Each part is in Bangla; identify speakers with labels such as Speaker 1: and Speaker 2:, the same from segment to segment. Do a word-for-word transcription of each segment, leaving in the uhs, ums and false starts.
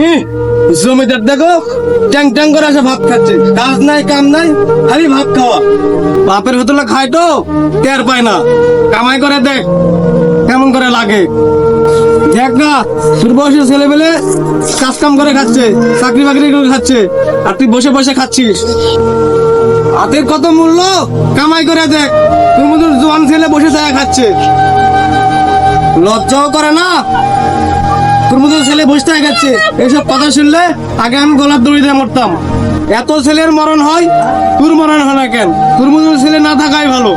Speaker 1: হুম, জমিদার দেখো ট্যাং ট্যাং করে আসে ভাত খাচ্ছে, কাজ নাই কাম নাই, খালি ভাত খাওয়া। বাপের হোটেলে খায় তো টের পায় না, কামাই করে দেখ কেমন করে লাগে। দেখ না তোর বয়সের ছেলে পেলে কাজ কাম করে খাচ্ছে, চাকরি বাকরি করে খাচ্ছে, আর তুই বসে বসে খাচ্ছিস। হাতের কত মূল্য কামাই করে দেখ, তোর মতো জোয়ান ছেলে বসে থাকা খাচ্ছে, লজ্জাও করে না। তোর মতো ছেলে বসে থাকা খাচ্ছে, এইসব কথা শুনলে আগে আমি গলার দড়ি দিয়ে মরতাম। এত ছেলের মরণ হয়, তোর মরণ হয় না কেন? তোর মতো ছেলে না থাকাই ভালো।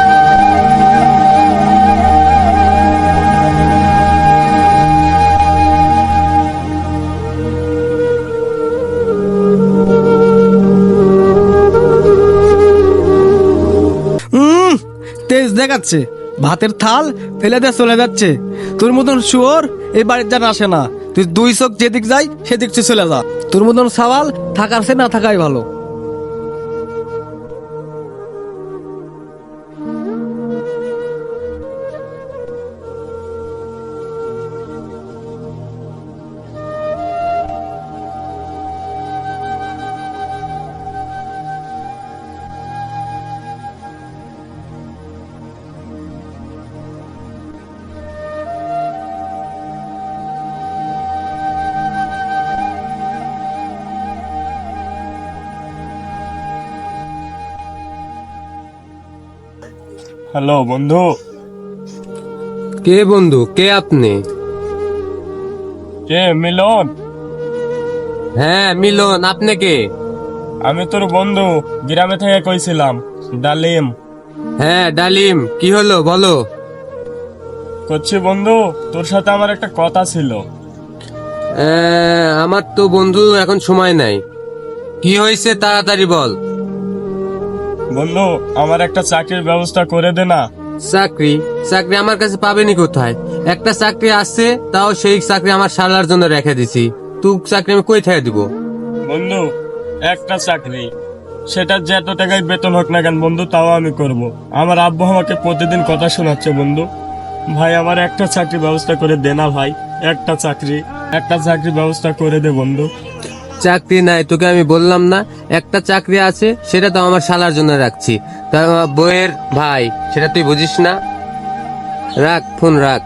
Speaker 1: হুম, তেজ দেখাচ্ছে, ভাতের থাল ফেলে দিয়ে চলে যাচ্ছে। তোর মতন শুয়োর এই বাড়ির যেন আসে না। তুই দুই চোখ যেদিক যাই সেদিক চলে যা। তোর মতন সওয়াল থাকার সে না থাকাই ভালো।
Speaker 2: হ্যালো বন্ধু।
Speaker 3: কে বন্ধু? কে আপনি?
Speaker 2: কে? মিলন?
Speaker 3: হ্যাঁ মিলন, আপনি কে?
Speaker 2: আমি তোর বন্ধু, গ্রামে থেকে কইছিলাম, ডালিম।
Speaker 3: হ্যাঁ ডালিম, কি হলো বলো।
Speaker 2: করছি বন্ধু, তোর সাথে আমার একটা কথা ছিল।
Speaker 3: আহ, আমার তো বন্ধু এখন সময় নাই। কি হয়েছে তাড়াতাড়ি বল।
Speaker 2: বন্ধু, আমার একটা চাকরির ব্যবস্থা করে দে না।
Speaker 3: চাকরি? চাকরি আমার কাছে পাবেনি কোথায়? একটা চাকরি আছে, তাও সেই চাকরি আমার শালার জন্য রেখে দিছি। তুই চাকরি আমি কই থেকে দিব?
Speaker 2: বন্ধু, একটা চাকরি, সেটা যত টাকায় বেতন হোক না কেন বন্ধু, তাও আমি করব। আমার আব্বু আমাকে প্রতিদিন কথা শোনাচ্ছে বন্ধু। ভাই আমার একটা চাকরি ব্যবস্থা করে দে না ভাই, একটা চাকরি, একটা চাকরি ব্যবস্থা করে দে বন্ধু।
Speaker 3: চাকরি নাই তোকে আমি বললাম না? একটা চাকরি আছে, সেটা তো আমার শালার জন্য রাখছি। তা আমার বইয়ের ভাই, সেটা তুই বুঝিস না? রাখ ফোন রাখ।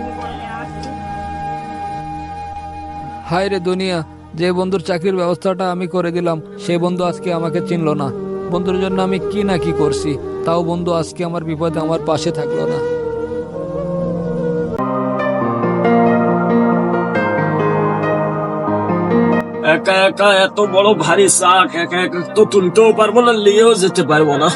Speaker 4: হায় রে দুনিয়া, যে বন্ধুর চাকরির ব্যবস্থাটা আমি করে দিলাম সেই বন্ধু আজকে আমাকে চিনলো না। বন্ধুর জন্য আমি কি না কি করছি, তাও বন্ধু আজকে আমার বিপদে আমার পাশে থাকলো না।
Speaker 2: একা একা এত বড় ভারী শাক একা একা তো তুলতেও পারবো না, নিয়েও যেতে পারবো না।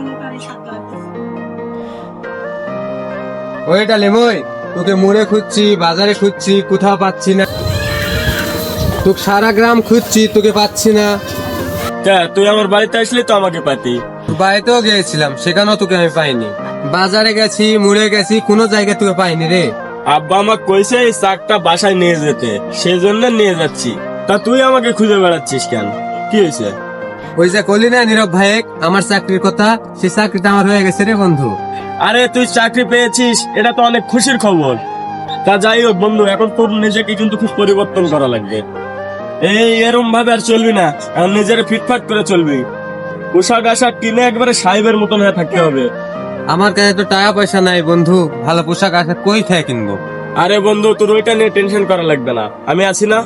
Speaker 3: ওই ডালিম, ওই তোকে মোড়ে খুঁজছি, বাজারে খুঁজছি, কোথাও পাচ্ছি না। তোকে সারা গ্রাম খুঁজছি, তোকে পাচ্ছি না।
Speaker 2: কে, তুই আমার বাড়িতে আসলি তো আমাকে পাতি।
Speaker 3: বাড়িতেও গিয়েছিলাম, সেখানেও তোকে আমি পাইনি। বাজারে গেছি, মুড়ে গেছি, কোনো জায়গায় তোকে পাইনি রে।
Speaker 2: আব্বা আমাকে কইছে এই শাকটা বাসায় নিয়ে যেতে, সেই জন্য নিয়ে যাচ্ছি। তা তুই আমাকে খুঁজে বেড়াচ্ছিস কেন? কি হয়েছে?
Speaker 3: ওই যে কলি না নীরব ভাইয়েক আমার চাকরির কথা, সেই চাকরিটা আমার হয়ে গেছে রে বন্ধু।
Speaker 2: আরে তুই চাকরি পেয়েছিস, এটা তো অনেক খুশির খবর। তা যাই হোক বন্ধু, এখন তোর নিজেকে কিন্তু খুব পরিবর্তন করা লাগবে। এই এরম ভাবে আর চলবি না, এখন নিজের ফিটফাট করে চলবি। পোশাক আশাক কিনে একবারে সাহেবের মতন হয়ে থাকতে হবে।
Speaker 3: আমার কাছে তো টাকা পয়সা নাই বন্ধু, ভালো পোশাক আশাক কই থেকে কিনবো?
Speaker 2: আরে বন্ধু, তোর ওইটা নিয়ে টেনশন করা লাগবে না, আমি আছি না।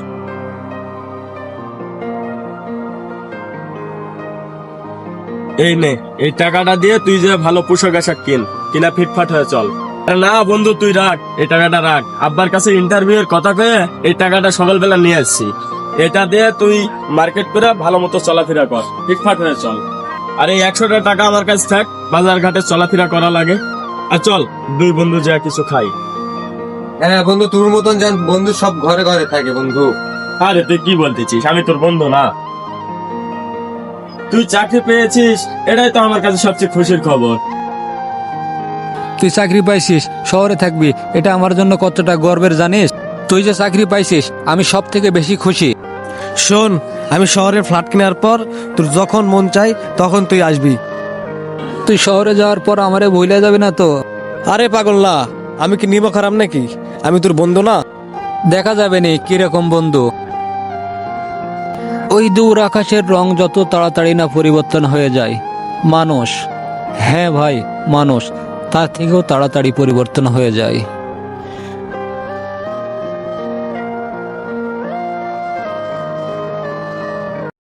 Speaker 2: এই নে, এই টাকাটা দিয়ে তুই যে ভালো পোশাক আশাক কিন, কিনা ফিটফাট হয়ে চল। আরে না বন্ধু, তুই রাখ, এই টাকাটা রাখ। আব্বার কাছে ইন্টারভিউ এর কথা কয়ে এই টাকাটা সকালবেলা নিয়ে আসছি। এটা দিয়ে তুই মার্কেট করে ভালো মতো চলাফেরা কর, ফিটফাট হয়ে চল। আর এই একশোটা টাকা আমার কাছে থাক, বাজার ঘাটে চলাফেরা করা লাগে। আর চল দুই বন্ধু যা কিছু খাই।
Speaker 3: হ্যাঁ বন্ধু, তোর মতন যান বন্ধু সব ঘরে ঘরে থাকে বন্ধু।
Speaker 2: আরে তুই কি বলতেছিস, আমি তোর বন্ধু না? তুই চাকরি পেয়েছিস, এটাই তো আমার কাছে সবচেয়ে খুশির খবর।
Speaker 4: তুই চাকরি পাইছিস, শহরে থাকবি, এটা আমার জন্য কতটা গর্বের জানিস? তুই যে চাকরি পাইছিস আমি সব থেকে বেশি খুশি।
Speaker 1: শোন, আমি শহরে ফ্ল্যাট কেনার পর তোর যখন মন চাই তখন তুই আসবি।
Speaker 4: তুই শহরে যাওয়ার পর আমারে ভুলে যাবি না তো?
Speaker 1: আরে পাগল না, আমি কি নিব খারাপ নাকি? আমি তোর বন্ধু না?
Speaker 4: দেখা যাবে নি কিরকম বন্ধু। ওই দূর আকাশের রং যত তাড়াতাড়ি না পরিবর্তন হয়ে যায়, মানুষ, হ্যাঁ ভাই মানুষ, তার থেকেও তাড়াতাড়ি পরিবর্তন হয়ে যায়।